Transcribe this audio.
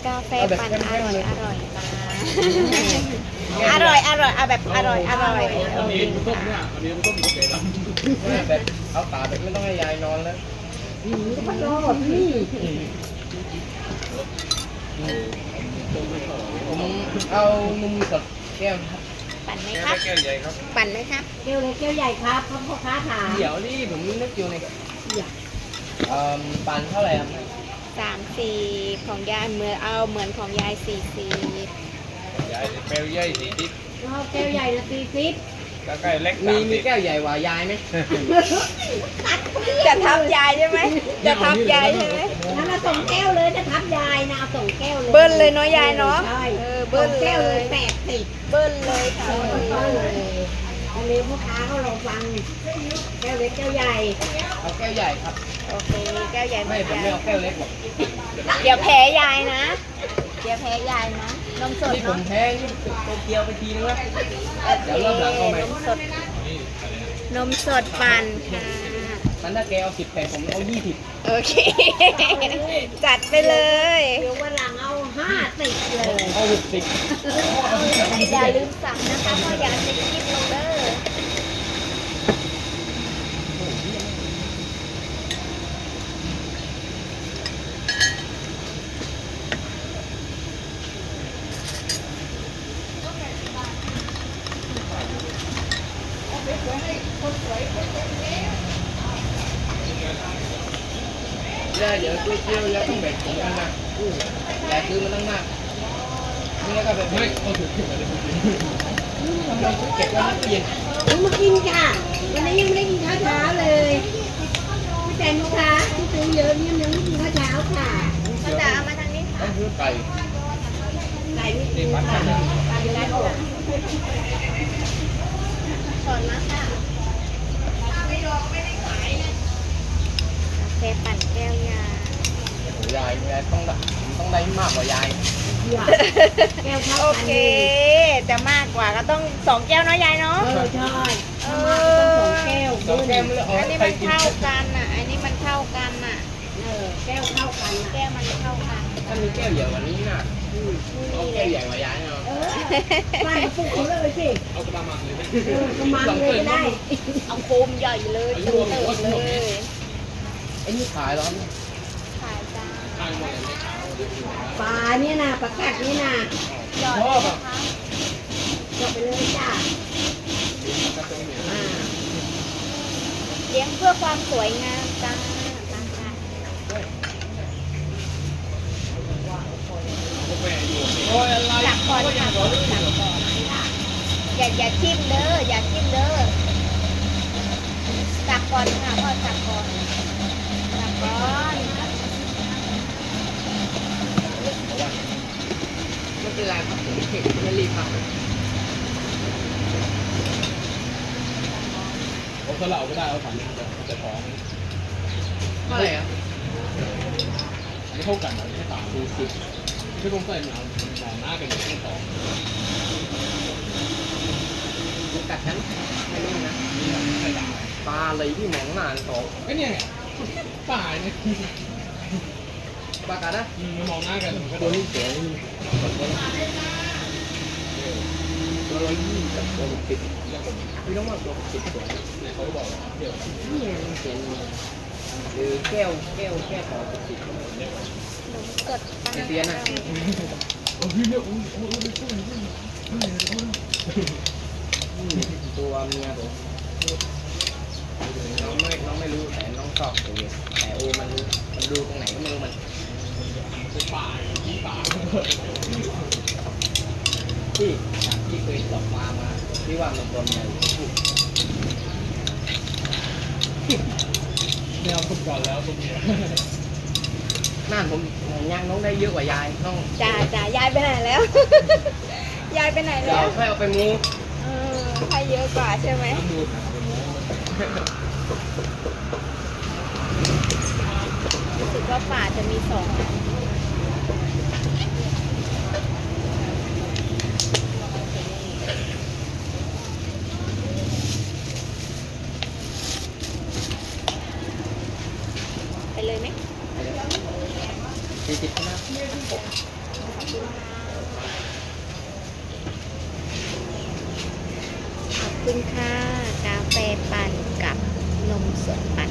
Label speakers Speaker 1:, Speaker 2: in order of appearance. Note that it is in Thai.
Speaker 1: กาแฟปั่นอร่อยอร่อยนะอร่อยอร่อยเอาแบบอร่อยอร่อย
Speaker 2: อันนี้มันต้มเนี่ยอันนี้มันต้มโอเคแล้ว
Speaker 3: แบบเอาตาแบบไม่ต้องให้ยายนอนแล้ว
Speaker 4: ก็พัดลมนี่
Speaker 3: ผมเอานมสดแก้วครับ
Speaker 1: ปั่นไหมครับ
Speaker 2: แก้วใหญ่ครับ
Speaker 1: ปั่นไหมครับ
Speaker 4: แก้วเล็กแก้วใหญ่ครับพ่อค้าถาม
Speaker 3: เดี๋ยวนี่ผมนึกอยู่ใน
Speaker 4: อยาก
Speaker 3: ปันเท่าไหร่ครับ
Speaker 1: 30ของยายเหมือนของยาย40
Speaker 2: ใหญ่แก้วใหญ่40
Speaker 4: แก้วใหญ่ละ40
Speaker 2: แล้วก็เล็ก
Speaker 3: มีแก้วใหญ่กว่ายายไหม
Speaker 1: จะทับยายใช่ไหมจะทับยายใช่ไหม
Speaker 4: นั่นละส่งแก้วเลยจะทับยายนะเอาส่งแก้วเลย
Speaker 1: เบิ้ลเลยเนาะยายเนาะ
Speaker 4: ใช่
Speaker 1: เบิ้ล
Speaker 4: แก้ว
Speaker 1: เล
Speaker 4: เลย ย80
Speaker 1: เบิ้ลเลยค่ะ
Speaker 4: ก็เลยอันนี้พ่อค้าเขาลองฟังแก้วเล็กแก้วใหญ่
Speaker 3: เอาแก้วใหญ่ครับ
Speaker 1: โอเคแก้วใหญ่เหมื
Speaker 3: ไม่
Speaker 1: อน
Speaker 3: ผม
Speaker 1: ยาย
Speaker 3: ไม่เอาแก้วเล็กหรอก
Speaker 1: เดี๋ยวแพ้ยายนะเดี๋ยวแพ้ยายนะนมสด
Speaker 3: ที่ผม
Speaker 1: เนาะ
Speaker 3: แพ้นี่โตเกียวไปทีนึงแล้วเดี๋ยวรอบหลังเอาใหม่
Speaker 1: นมสดปั่นค่ะ
Speaker 3: มันถ้าแกเอา10แผ่นผมเอา20
Speaker 1: โอเค จัดไปเลย
Speaker 4: เดี๋ยววันหลังเอา50เลย
Speaker 3: เอา60
Speaker 1: อย่าลืมสั่งนะคะเพราะอยากจะกินเด้อ
Speaker 3: แล้วเดี๋ยวก๋วยเตี๋ยวแล้วต้องแบ่งผมกันนะยายซื้อมาตั้งมากนี่ก็แบบ
Speaker 2: ไม่
Speaker 3: ไม่
Speaker 2: เอาถูกขึ้นมาเลย
Speaker 3: ทำไมเก็บไว้ไม่เย็น
Speaker 4: มากินค่ะวันนี้ยังไม่ได้กินข้าวเช้าเลยพี่แตงลูกค้าที่ซื้อเยอะเนี่ยยังไม่กินข้าวเช้าค่ะ
Speaker 1: ก็จะเอามาทางนี้
Speaker 3: ต้
Speaker 1: ค่ะ
Speaker 3: องซื้อไก่
Speaker 4: ไก่ไม่กินค่ะไก่อยู่ได้หมด
Speaker 1: สอนมาค่ะกาแฟปั่นแก้วยาย
Speaker 3: ายต้องได้มากกว่ายาย
Speaker 4: แก้วข้าว
Speaker 1: โอเค จะมากกว่าก็ต้อง2 แก้วเนาะยายเนาะ
Speaker 4: ใช่
Speaker 1: เอ
Speaker 4: ต้องสองแก้ว
Speaker 3: สองแก้วไม่เลย
Speaker 1: อันนี้มันเท่ากันอ่ะ อันนี้มันเท่ากันอ่ะ
Speaker 4: แก้วเท่ากัน
Speaker 1: แก้วมันเท่ากัน
Speaker 3: ถ้ามีแก้วใหญ่กว่านี้น่ะเอาแก้วใหญ่กว่ายายเนาะ
Speaker 4: ใส่ปุ๊บเขาเลยสิ
Speaker 2: เอากระมังเลย
Speaker 4: กระมังเลยก็ได้
Speaker 1: เอาโคมใหญ่เลยเติมเลย
Speaker 3: ไอ้นี่ขายเหรอ
Speaker 1: ขายจ้า
Speaker 2: ทางหมดเลย
Speaker 4: ปลาเนี่ยนะปลากัดนี่นะ
Speaker 1: หยอดเลยนะคะ
Speaker 4: จบไปเลยจ้า
Speaker 1: เลี้ยงเพื่อความสวยงามจ้ามาค่ะ
Speaker 2: แม่อยู่โอ้ยอะไร
Speaker 1: จับก่อนค่ะจับก่อนอย่าทิ่มเด้ออย่าทิ่มเด้อจับก่อนค่ะพ่อจับก่อนจับก่อน
Speaker 3: ไม่เป็นไรครับผมไม่รีบครับ
Speaker 2: เอาสลับก็ได้เอาถังจะท้อง
Speaker 3: เท่าไหร่ครับ
Speaker 2: ไม่เท่ากันไม่ต่างดูสุดไม่ต้องใส่หนาวหนาวหน้ากันไม่ต่อ
Speaker 3: มันกัดฉันไม่รู้นะ
Speaker 2: นี่ใส่ดาว
Speaker 3: ปลาอะไรที่มองหน้าโต
Speaker 2: ไอ้เนี่ยไงป่าเนี่ย
Speaker 3: ปลากัดนะ
Speaker 2: มองหน้ากันก็โด
Speaker 3: ตัวน นี้เสียนี่ตัวละ20กับตัว60พี่น้องว่าตัว60ตัว
Speaker 2: เนี่ยเขาบอกเดี๋ยว
Speaker 3: นี่มันเสียหรือแก้วต่อ60
Speaker 1: นมสด
Speaker 3: เสียนะ
Speaker 2: โอ้ยเนี่ยโอ้ย
Speaker 3: ตัวเมียผมน้องไม่รู้แต่น้องชอบตัวแต่โอมันดูตรงไหนก็ไม่รู้มัน
Speaker 2: ป่าที่ป่า
Speaker 3: ที่เคยตกมาที่ว่ามันตัวเมียพูด
Speaker 2: แนวฟุตบอลแล้วตรงนี้
Speaker 3: น่านผมย่างน้องได้เยอะกว่ายายน้อง
Speaker 1: จ้ายายไปไหนแล้ว ยายไปไหน
Speaker 3: เดี๋ย
Speaker 1: แล้ว ว
Speaker 3: ค่อยเอาไปมู
Speaker 1: ใครเยอะกว่าใช่ไหม
Speaker 2: ดู
Speaker 1: รู้สึกว่าป่าจะมี2 อันไปเลยไหม
Speaker 3: 40นะ
Speaker 1: คุณค่ะ กาแฟปั่นกับนมสดปั่น